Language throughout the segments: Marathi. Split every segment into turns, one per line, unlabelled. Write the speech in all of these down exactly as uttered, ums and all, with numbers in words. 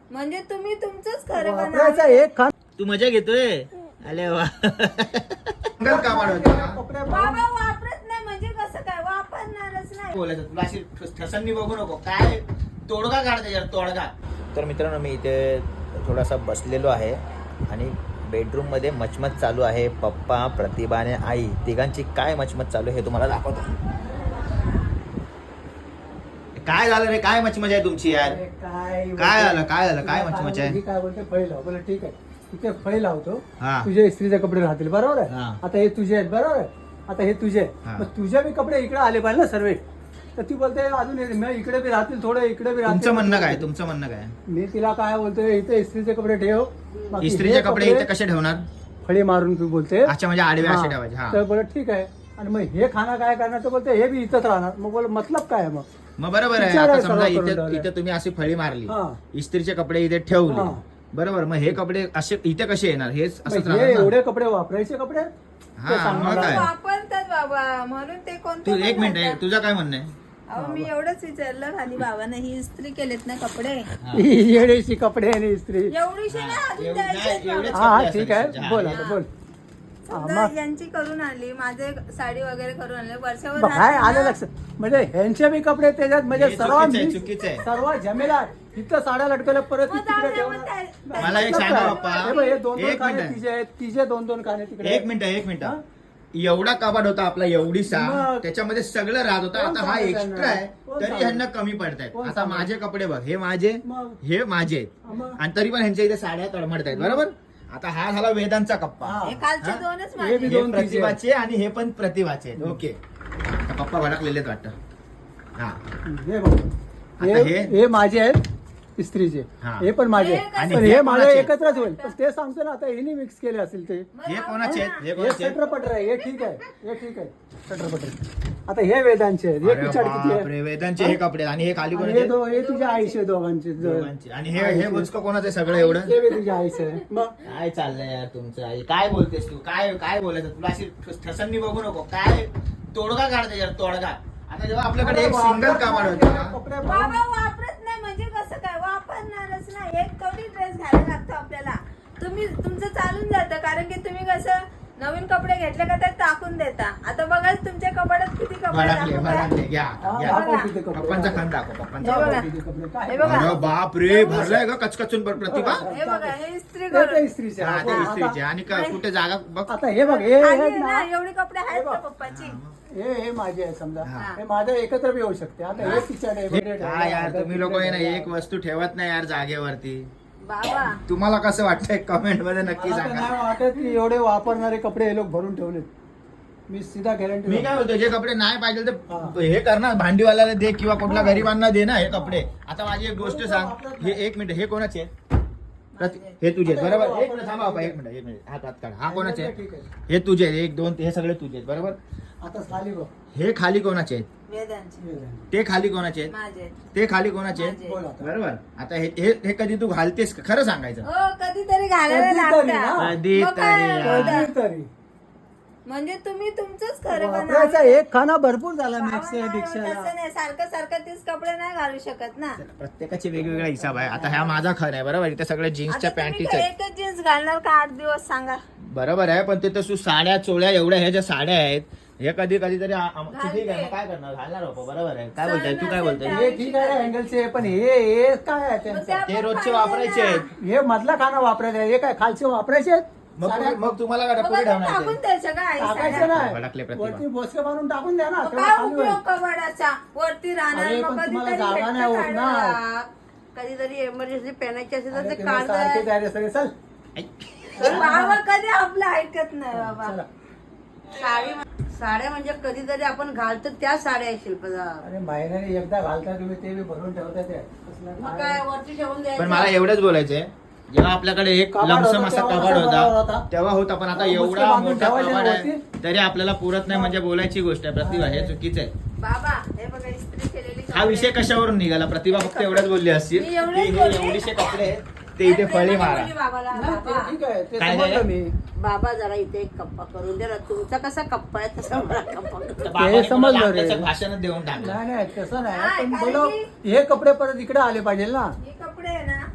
म्हणजे तुम्ही तुमचंच खरं
वापरायचा
बनवा.
एक खान
तू मजा घेतोय अरे वा
बाबा वापरत नाही म्हणजे कसं काय वापरणारच नाही.
बोलायचं तुला अशी ठसननी बघू नको काय तोडगा काढते यार तोडगा. तर मित्रांनो मी इथे थोडासा बसलेलो आहे आणि बेडरूम मध्ये मचमच चालू आहे. पप्पा प्रतिभा आणि आई तिघांची काय मचमच चालू आहे हे तुम्हाला दाखवतो. काय झालं रे काय मचमच आहे तुमची यार
काय
काय झालं काय झालं काय मचमच आहे.
काय बोलते फळी लाव बोला ठीक आहे इथे फळी लावतो
हा.
तुझे इस्त्रीचे कपडे राहतील बरोबर आहे.
हा.
आता हे तुझे आहेत बरोबर आहे. आता हे तुझे आहेत.
हा.
मग तुझे बी कपडे इकडे आले पाहिजे ना सर्व. तर ती बोलते अजून हे- मी इकडे बी राहतील थोडं इकडे बी राहतील.
तुमचं म्हणणं काय तुमचं म्हणणं काय
मी तिला काय बोलतोय इथे इस्त्रीचे कपडे ठेव बाकी
इस्त्रीचे
हे
कपडे इथे कसे ठेवणार.
फळी मारून तू बोलते
अच्छा म्हणजे आडवे असे
हा.
ठेवायचे. हा
तर बोलत ठीक आहे आणि मग हे खाना काय करणार तर बोलते हे बी इथंच राहणार. मग बोल मतलब काय आहे मग
मग बरोबर आहे.
विचार
आता
आहे
समजा
सर्व
इथे
करून
इथे तुम्ही अशी फळी मारली
हा.
इस्त्रीचे कपडे इथे ठेवले
हा.
बरोबर. मग हे कपडे असे इथे कसे येणार हेच असंच
मग हे
राहणार ना?
एवढे कपडे वापरायचे कपडे
हा,
ते सांग
मग
मला.
काय?
वापरतात बाबा म्हणून ते कोणते
तू
पण
एक मिनिट आहे
घालतात.
तुझं काय म्हणणं आहे.
अहो मी एवढंच विचारलं खाली बाबांना ही इस्त्री केलेत ना कपडे
येडेशी कपडे आणि इस्त्री.
एवढीशी ना अजून
एवढी
द्यायचे
नाही, एवढेच
बाबा.
हा
कपडे
हा ठीक
असायचे.
आहे
हा,
बोल
हे-
आता बोल. हा,
समजा
मग
यांची करून आणली माझे साडी वगैरे करून आणले वर्षावर
बघ, काय
राहते
आलं
ना.
लक्षात म्हणजे ह्यांचे बी कपडे त्याच्यात म्हणजे
हे
सर्व
चुकीचं आहे,
mix,
चुकीचं आहे.
सर्व झमेला इथं साड्या लटकवल्या परत
मग
तिकडे
जाऊ दे,
ठेवणार.
मग त्या-
मला एक
मतलब
सांगा
काय?
बाप्पा.
हे बघ, हे दोन दोन
एक
काने
मिनिट.
तिचे आहेत तिचे दोन दोन काने तिकडे
एक मिनिट एक मिनिट
हा?
एवढा कपाट होता आपला एवढीसा
मग.
त्याच्यामध्ये सगळं राहत होतं.
कोण
आता हा
सांगत
एक्स्ट्रा आहे
कोण
तरी
सांगत?
ह्यांना कमी पडतायत.
कोण
आता
सांगत?
माझे कपडे बघ हे माझे
मग.
हे माझे आहेत.
हा, मग.
आणि तरी पण ह्यांच्या इथे साड्या तडमडतायत बरोबर. आता हा झाला वेदांचा कप्पा.
हा.
हे कालचे
हा?
दोनच
हे
माझे
बी
हे
दोन तिचे.
प्रतिभाचे आणि हे पण प्रतिभाचे आहेत. ओके आता पप्पा भडकलेले आहेत वाटतं. हा
हे बघ
आता
हे
हे?
हे माझे आहेत इस्त्रीचे
हा.
हे पण माझे
हे
आहेत.
आणि
पण
हे
हे माझे
कोणाचे?
एकत्रच होईल पण ते सांगतो ना आता हिने मिक्स केले असेल ते
मग
हे
जाऊ
कोणाचे
दे
आहेत हे
ना.
हे
कोणाचे आहेत?
सटरपटर आहे हे ठीक आहे हे ठीक आहे सटरपटर. आता हे वेदांचे आहेत हे
अरे
पिछाड किती
बापरे,
आहे
वेदांचे हे कपडे आणि हे खाली
आणि
कोणाचे
हे दो हे तुझ्या आईचे दोघांचे
दोघांचे. आणि हे हे बुचकं कोणाचं आहे सगळं एवढं.
हे बी तुझ्या आईचे आहे मग
काय चाललंय यार तुमचं आई काय बोलतेस तू काय काय बोलायचं तुला अशी ठसननी बघू नको काय तोडगा काढते यार तोडगा. आता जेव्हा आपल्याकडे एक सिंगल कामाड होतं
कपडे
बाबा वापरत नाही म्हणजे कसं काय वापरणारच नाही. एक कवडी ड्रेस घालायला लागतो आपल्याला. तुम्ही तुमचं चालून जातं कारण की तुम्ही कसं नवीन कपडे घेतले का ते टाकून देता. आता बघा तुमच्या कपाटात किती कपडे
भडकले
दाखवू काय?
भडकले घ्या
हा,
घ्या.
दाखव किती कपडे.
पप्पांचा खान दाखव
हे
पप्पांचा.
बघा.
किती कपडे काय
हे बघा.
अरे बाप रे भरलाय का कचकचून बर प्रतिभा.
हे बघा हे इस्त्री
ते ते
करून
इस्त्रीचे
हा
आहे.
ते
आता-
इस्त्रीचे आणि का- कुठे जागा बघ.
आता हे बघ हे
खाली
आहेत
आहे
ना
ना एवढे कपडे आहेत
हे
का
बघ.
पप्पाची.
हे हे माझे आहे समजा
हा.
हे माझं एकत्र बी येऊ शकते आता हे पिछाड आहे वगैरे
काय यार
ठेवलं,
तुम्ही लोक आहे ना
ठेवलं.
एक वस्तू ठेवत नाही यार जागेवरती.
बाबा
तुम्हाला कसं वाटतंय कमेंट मध्ये नक्की
मला तर
सांगा.
नाही वाटत की एवढे वापरणारे कपडे हे लोक भरून ठेवलेत. मी सीधा गॅरंटी
मी काय बोलतो जे कपडे नाही पाहिजे
हा.
तर हे करणार भांडीवाल्याला दे किंवा कुठल्या गरीबांना दे ना हे कपडे. आता माझी एक गोष्ट सांग हे एक मिनिट हे कोणाचे आहेत? प्रति- हे तुझे आहेत, बरोबर. एक मिनिट थांबा बाबा, एक मिनिट एक मिनिट हात हात काढ. हा कोणाचे आहेत?
ठीक आहे
हे तुझे आहेत, एक दोन हे सगळे तुझे आहेत बरोबर.
आता खाली बघ
हे खाली कोणाचे आहेत?
वेदांची
ते खाली कोणाचे आहेत?
माझे
ते खाली कोणाचे आहेत?
माझे.
बोल आता.
बरोबर. आता हे हे हे कधी तू घालतेस का? खरं सांगायचं.
हो कधीतरी घालायला
कधीतरी ना.
लागतं.
कधीतरी
मग काय
यार.
होतं?
कधीतरी
म्हणजे तुम्ही तुमचंच खरं
वापरायचा
बनवा.
एक खाना भरपूर झाला
बाबा
मॅक्स
नाही,
भिक्षाला
तसं नाही सारखं सारखं तीच कपडे नाही घालू शकत ना.
प्रत्येकाचे वेगवेगळा हिसाब आहे. आता ह्या माझा खर आहे बरोबर. इथे सगळे जीन्सच्या
आता तुम्ही
पॅन्टीच
काय
आहेत
एकच जीन्स घालणार का आठ दिवस सांगा.
बरोबर आहे. पण ते तसं साड्या चोळ्या एवढ्या ह्या ज्या साड्या आहेत हे कधी कधी तरी आ- आम-
घालते.
ठीक आहे मग काय करणार घालणार बाबा बरोबर आहे. काय बोलताय तू काय
सण
बोलताय?
हे ठीक आहे अँगलचे पण हे हे काय आहे
मग
त्यांचं
त्या
ते
पण
रोजचे
पाहिजे
वापरायचे
ना.
आहेत.
हे मधला खाना वापरायचा आहे. हे काय खालचे वापरायचे आहेत?
मग
साड्या-
तुम्ही- मग तुम्हाला काय
मग
पुढे
आता
ठेवणार
टाकून
ते?
द्यायचं का आई
टाकायचं
साड्या?
भडकले
नाही
प्रतिभा.
वरती बोसके मारून टाकून द्या ना
मग
तेव्हा
काय
खाली
उपयोग
होईल.
कबड्डाचा वरती राहणार
अरे,
मग
पण तुम्हाला
कधीतरी
जागा
भेटतं
नाही होत ना.
काढायला.
कधीतरी एमर्जन्सी पेनायची असेल तर
अरे,
ते
तुम्ही
काढ
सारखे तयारी सगळे चल
तर बाबा कधी आपलं ऐकत नाही बाबा.
चला.
साडी साड्या म्हणजे कधीतरी आपण घालतो त्या साड्या आहेत शिल्पदा.
अरे महिन्याने एकदा घालता तुम्ही ते बी भरून ठेवता ते कसलं
मग
काय?
काय वरती ठेवून
पण
द्यायचं.
मला एवढंच बोलायचंय जेव्हा आपल्याकडे एक
कबाड
लमसम
होता,
असा
तेव्हा
कबाड
कसा
होता
होता?
तेव्हा होता. पण आता
हा, मुसके
एवढा
बांधून
मोठा
ठेवायचे
कबाड
ना
आहे
वरती.
तरी आपल्याला पुरत नाही म्हणजे बोलायची गोष्ट आहे. प्रतिभा हे चुकीचं आहे.
बाबा हे बघा इस्त्री केलेली
हा विषय कशावरून निघाला? प्रतिभा फक्त एवढंच बोलली असतील
मी
की
एवढंच
हे
बोलली.
एवढीशे कपडे आहेत ते इथे फळी मारा.
म्हणजे बाबाला
नाही, ते
बाबा
ठीक आहे ते
काय
समजलं
झालं?
मी
बाबा जरा इथे एक कप्पा करून दे ना. तुमचा कसा कप्पा आहे तसा मला कप्पा करून दे.
बाबाने
समजलं
मला
रे.
त्याचं भाषणच देऊन टाकलं.
नाही नाही तसं
नाही,
नाही पण
कारण
बोलो
की-
हे कपडे परत इकडे आले पाहिजे ना.
हे कपडे आहे ना ज्यांना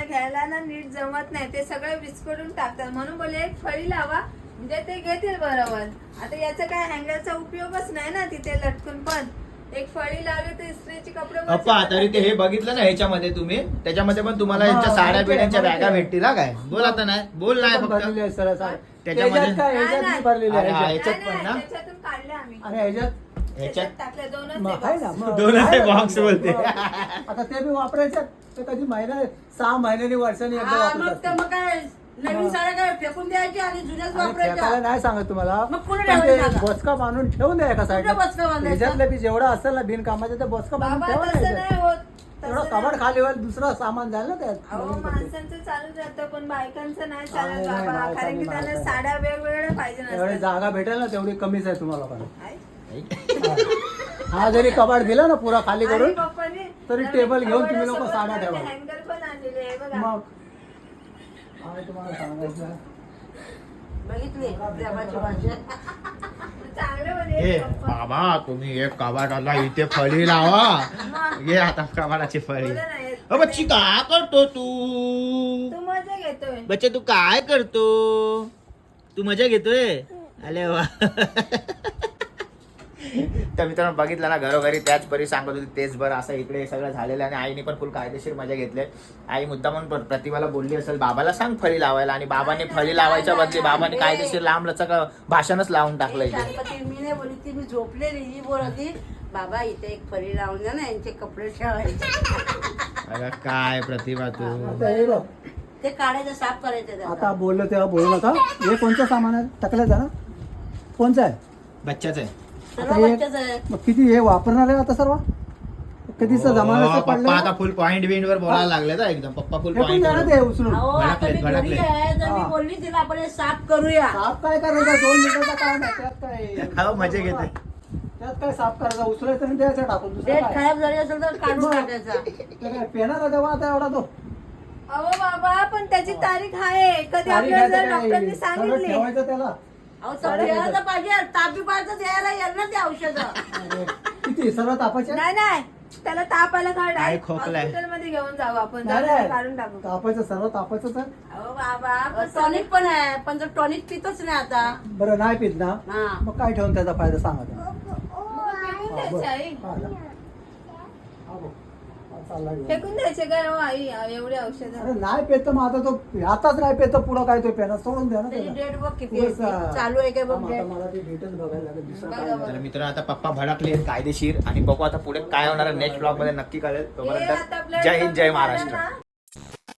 घ्यायला ना नीट जमत नाही, ते सगळे विस्कटून टाकतात. म्हणून बोले एक फळी लावा म्हणजे ते घेतील बरोबर. आता याचा काय हँगरचा उपयोगच नाही ना तिथे लटकून, पण एक फळी लावली तर इस्त्रीचे कपडे वरचे
अप्पा
पण-
तरी ते हे बघितलं ना ह्याच्यामध्ये तुम्ही, त्याच्यामध्ये पण तुम्हाला
हा,
यांच्या साड्या
माहिती आहे,
बिड्यांच्या
माहिती
बॅगा
आहे.
भेटतील हा काय? बोल आता नाही, बोल नाही
पण भरलेली
फक्त.
आहे सरळ सरळ.
त्याच्यामध्ये-
ह्याच्यात काय ह्याच्यात
नाही,
नाही भरलेली
अरे,
आहे
आहे.
ह्याच्यात.
ह्याच्यात पण ना?
नाही, त्याच्यातून काढले आम्ही,
आणि ह्याच्यात
ह्याच्यात
त्याच्यात टाकले दोनच
मग
आहे
आहे ना
box.
मग.
दोन
आहे ना
box
मग.
बोलते.
आता ते बी वापरायचं ते कधी महिना सहा महिन्यानी वर्षांनी एकदा
हा,
वापरत
मग
असते.
तर मग काय नवीन
हा.
साड्या काय फेकून द्यायची आणि जुन्याच
आणि फेकायला
वापरायच्या.
नाही सांगत तुम्हाला,
मग कुठे
पण ते
ठेवायचं जागा?
बोचका बांधून ठेवून द्या एका साईडला.
कुठं बोचका बांधायचं?
ह्याच्यातलं बी जेवढं असेल ना बिनकामाचं ते बोचका बांधून
बाबा
ठेवा
तसं
ना
नाही
ह्याच्यात.
होत,
एवढं
तसं
कबाड
नाही.
खाली वर दुसरं सामान जाईल ना त्यात.
अहो
नवीन कपडे.
माणसांचं चालू जातं पण बायकांचं नाही
नाही,
चालत
नाही,
बाबा,
बायकांनी
कारण की
नाही
त्यांना
चालत.
साड्या वेगवेगळ्या पाहिजे
एवढी
नसतात.
जागा भेटेल ना तेवढी कमीच आहे तुम्हाला पण.
आहे?
हा जरी कबाड दिला ना पुरा खाली
आणि
करून
पप्पानी
तरी
नवीन
टेबल घेऊन तुम्ही लोक
कबर्डसोबत
साड्या
नवीन
ठेवा.
हँगर पण आणलेले आहे बघा.
मग काय तुम्हाला सांगायचं.
बघितली देवाची भाषा.
चांगलं म्हणजे
ए
पप्पा.
बाबा तुम्ही एक कबाडाला इथे फळी लावा. घे आता कबाडाची फळी.
बोला ना, हे-
अ बच्ची काय करतो तू?
तू मजा घेतोय.
बच्चा तू काय करतो? तू मजा घेतोय? अरे वा. तर मित्रांनो बघितलं ना घरोघरी त्याच परी सांगत होती तेच बरं असं इकडे सगळं झालेलं आहे. आणि आईने पण फुल कायदेशीर मजा घेतली. आई मुद्दा म्हणून प्रतिभाला बोलली असेल बाबाला सांग फळी लावायला, आणि बाबाने फळी लावायच्या बदली बाबाने कायदेशीर लांब लचक भाषणच लावून टाकलं
ए,
इथे.
गणपती मी नाही बोलली ती, मी झोपलेली ही बोलती बाबा इथे एक फरी लावून द्या ना यांचे कपडे ठेवायचे.
अगं काय प्रतिभा तू.
आता हे बघ,
ते काढायचं साफ करायचं
आता
त्याचं.
बोललो तेव्हा बोलू नका. हे कोणतं सामान आहे टाकलं ना कोणचं आहे?
बच्चाच आहे.
सर्व
आता हे-
बच्चेच आहे.
मग किती हे वापरणार आहे आता सर्व कधीच जमाना
हो, पप्पा
पडलं
आता फुल पॉइंट बिंड वर बोलायला लागले ना एकदम. पप्पा फुल
फेकून द्या ना ते
पॉइंट.
उचलून.
अहो आता मी
भडकलेत,
घरी आहे तर मी
हा.
बोलली तिला आपण हे साफ करूया.
साफ काय करायचं दोन मिनिटाचा काय नाही त्यात काय.
हो, मजा घेते.
त्यात काय साफ करायचं उचलायचं आणि द्यायचं टाकून दुसरं
डेट
काय.
खराब झाली असेल तर काढून टाकायचा.
ते काय पेनार आहे तेव्हा आता एवढा तो
अहो बाबा पण त्याची तारीख आहे, कधी
तारीख
आपल्याला
आहे
जर
तर काय,
डॉक्टरनी
सगळं
सांगितली.
ठेवायचं त्याला.
अहो तर द्यायला तर पाहिजे तापी पाहिजे द्यायला येईल ना ते औषध.
अरे, किती सर्व तापायचे
नाही नाही त्याला ताप आला का
काय खोकलाय?
हॉस्पिटल मध्ये घेऊन जाऊ आपण,
नाही,
जाऊ
नाही.
काढून टाकू.
तापायचं सर्व तापायचं तर
अहो बाबा पण
टॉनिक पण आहे पण जर टॉनिक पितच नाही आता.
बरं नाही पित ना
हा.
मग काय ठेवून त्याचा फायदा सांगा त्याला.
मग फेकून
हा,
द्यायचे
बरं.
आई,
हा, ना. हा, बघ. हा, चालला घेऊन.
फेकून द्यायचे काय हो आई एवढे औषध.
अरे नाही पेत तर मग आता तो आताच नाही पेत तर पुढं काय तो पेना सोडून द्या ना
त्याची
त्याला.
डेट बघ किती आहे
पुढचा-
ती. चालू आहे काय बघ
हा, मग आता
डेट.
मला ती डेटच बघायला लागेल दुसरं काय
बघा,
नाही.
तर मित्र आता पप्पा भडकले कायदेशीर, आणि बघू आता पुढे काय होणार नेक्स्ट ब्लॉग मध्ये नक्की कळेल.
हे आता
तोपर्यंत
आपल्याला
जय हिंद जय
कमी झालं
महाराष्ट्र.
ना,